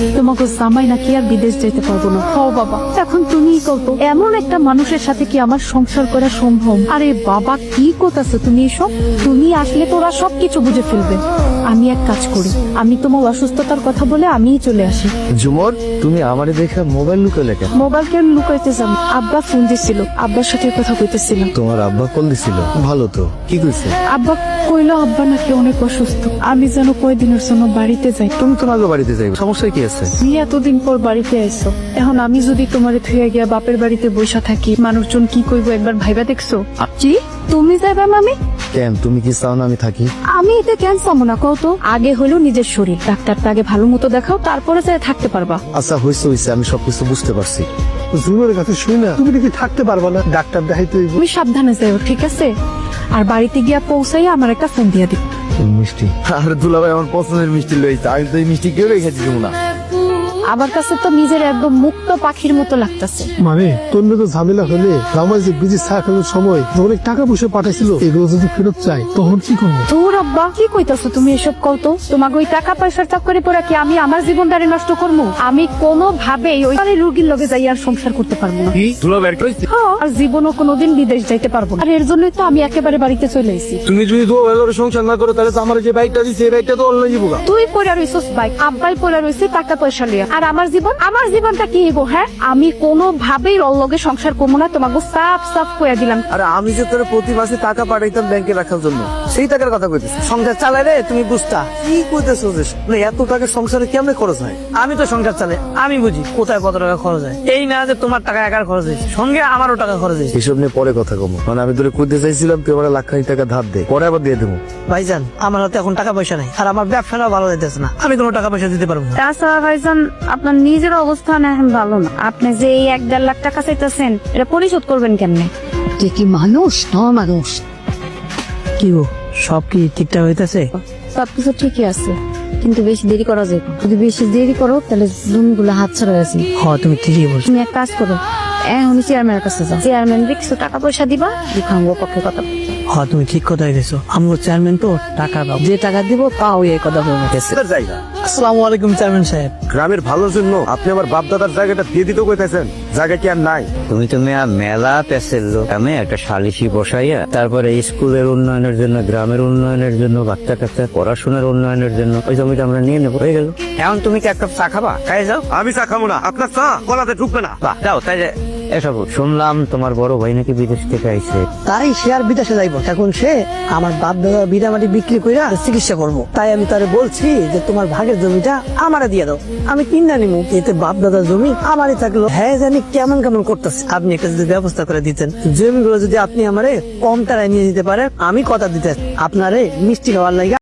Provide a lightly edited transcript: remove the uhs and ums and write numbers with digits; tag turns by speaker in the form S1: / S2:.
S1: তোমাকে জামাই নাকি আর বিদেশ যেতে পারবো না। ও বাবা, এখন তুমিই কত, এমন একটা মানুষের সাথে কি আমার সংসার করা সম্ভব? আরে বাবা, কি করতেছো তুমি এসব? তুমি আসলে তোরা সবকিছু বুঝে ফেলবে। আমি এক কাজ করি, আমি তোমার অসুস্থতার কথা বলে আমিই চলে আসি।
S2: ঝুমর, তুমি আমারে দেখে মোবাইল লুকালে কেন?
S1: মোবাইল কেন লুকাইতে যাবো? আব্বা ফোন দিছিল, আব্বার সাথে কথা কইতেছিলাম।
S2: তোমার আব্বা কল দিছিল? ভালো তো, কি কইছে?
S1: আব্বা কইলো আব্বা নাকি অনেক অসুস্থ, আমি যেন কয়দিনের জন্য বাড়িতে যাই।
S2: তুমি তোমার বাড়িতে যাইবে, সমস্যা কি আছে?
S1: তুমি এতদিন পর বাড়িতে আইছো, এখন আমি যদি তোমারে থুয়ে গিয়া বাপের বাড়িতে বসা থাকি, মানুষজন কি কইবো একবার ভাইবা দেখছো? কি তুমি যাইবা মামি?
S2: কেন, তুমি কি চাও না আমি থাকি?
S1: আমি এতে কেন চাবো না কও তো? আগে হলো নিজের শরীর, ডাক্তারটা আগে ভালো মতো দেখাও, তারপরে যাই থাকতে পারবা।
S2: আচ্ছা হইছে, আমি সবকিছু বুঝতে পারছি।
S3: জুমের কাছে শুই না তুমি নাকি থাকতে পারবা না, ডাক্তার দেখাইতে হইব।
S1: তুমি সাবধানে যাও, ঠিক আছে? আর বাড়িতে গিয়া পৌঁছাই আমার একটা ফোন দিয়া দিও।
S2: মিষ্টি, আর দুলাভাই আমার পছন্দের মিষ্টি লইছে, আমি তো এই মিষ্টি কেউ রেখেছি না।
S1: আমার কাছে তো নিজের একদম মুক্ত পাখির মতো লাগতেছে।
S3: মানে তোর তো ঝামেলা হলে জামাই যে বিজি সাকানোর সময় অনেক টাকা পয়সা পাঠাইছিল, এগুলো যদি ফেরত চাই তখন কি করবো?
S1: তোর আব্বা কি কইতাছো তুমি এসব? কও তো, তোমাকে ওই টাকা পয়সার চক্করে পড়ে কি আমি আমার জীবনটারে নষ্ট করবো? আমি কোনো ভাবেই ওই রোগীর লগে যাই আর সংসার করতে পারবো না। হ্যাঁ, আর জীবনও কোনোদিন বিদেশ যাইতে পারবো না। আর এর জন্যই তো আমি একেবারে বাড়িতে চলে এসেছি।
S2: তুমি যদি তো সংসার না করো, তাহলে তো আমার যে বাইকটা দিছে, এই বাইকটা তো অন্য যাবো।
S1: তুই পড়া রইছিস বাইক, আব্বাই পড়া রইছে টাকা পয়সা লিয়া। আর আমার জীবনটা কি হইব? হ্যাঁ, আমি কোনো ভাবেই ওর লগে সংসার করবো না, তোমাকে সাফ সাফ কইয়া দিলাম।
S2: আরে আমি যে তোর প্রতি মাসে টাকা পাঠাইতাম ব্যাংকে রাখার জন্য, সেই টাকার কথা কইতেছি। সংসার চালাই রে, তুমি বুঝতা কি কইতেছো? যে এত টাকা সংসারে কেমনে খরচ হয়?
S4: আমি তো সংসার চালাই, আমি বুঝি কোথায় কত টাকা খরচ হয়। এই না যে তোমার টাকা একার খরচ হয়েছে, সঙ্গে আমারও টাকা খরচ হয়েছে।
S2: এসব নিয়ে পরে কথা কমো, মানে আমি তোরে কইতে চাইছিলাম তুই আমার লাখ খানিক টাকা ধার দে, পরে আবার দিয়ে দেবো।
S4: ভাইজান, আমার হাতে এখন টাকা পয়সা নাই, আর আমার ব্যবসাটাও ভালো যাইতেছে না, আমি কোনো টাকা পয়সা দিতে পারবো না।
S1: তাছাড়া ভাইজান, আপনার নিজের অবস্থান এখন ভালো না। আপনি যে এই 1-1.5 লাখ টাকা চাইতেছেন, এটা পরিশোধ করবেন কেমনে?
S5: তুই কি মানুষ? মানুষ
S4: কি গো, সব কি ঠিকঠাক হইতেছে?
S5: সবকিছু ঠিকই আছে, কিন্তু বেশি দেরি করা যায় না। যদি বেশি দেরি করো তাহলে জমিগুলো হাত ছাড়া গেছে।
S4: হ, তুমি ঠিকই বলছো।
S5: তুমি এক কাজ করো, এখনই চেয়ারম্যানের কাছে যাও, চেয়ারম্যান কিছু টাকা পয়সা দিবা, দুখাঙ্গো পক্ষে কথা।
S4: হ, তুমি ঠিক কথাই গেছো। আমরা চেয়ারম্যান তো টাকা দাও, যে টাকা দিব তাও এই কথা বলে গেছে। আসসালামু আলাইকুম চেয়ারম্যান সাহেব।
S2: গ্রামের ভালোর জন্য আপনি আমার বাপ দাদার জায়গাটা দিয়ে দিতে কইতেছেন, জায়গা কি আর নাই?
S6: তুমি তো মেলা পেসের লোক, আমি একটা সালিশি বসাইয়া তারপরে স্কুলের উন্নয়নের জন্য, গ্রামের উন্নয়নের জন্য, বাচ্চা কাচ্চা পড়াশোনার উন্নয়নের জন্য ওই জমিটা আমরা নিয়ে নেবো, হয়ে গেল। এখন তুমি কি একটা চা খাবা? খাই যাও।
S2: আমি চা খাবো না, আপনার চা গলাতে ঢুকবে না।
S6: যাও তাই যে। এসব শুনলাম তোমার বড় ভাই নাকি বিদেশ থেকে আইছে।
S4: তাই সে আর বিদেশে যাইব, এখন সে আমার বাপ দাদা বিড়ামাটি বিক্রি কইরা চিকিৎসা করবো। তাই আমি তারে বলছি যে তোমার ভাগের জমিটা আমারে দিয়ে দাও, আমি কিনা নিমু, এতে বাপ দাদার জমি আমারই থাকলো। হ্যাঁ, জানি কেমন কেমন করতেছে। আপনি একটা যদি ব্যবস্থা করে দিতেন, জমিগুলো যদি আপনি আমারে কম টাকায় নিয়ে দিতে পারেন, আমি কথা দিতে আপনারে মিষ্টি খাওয়ার লাগে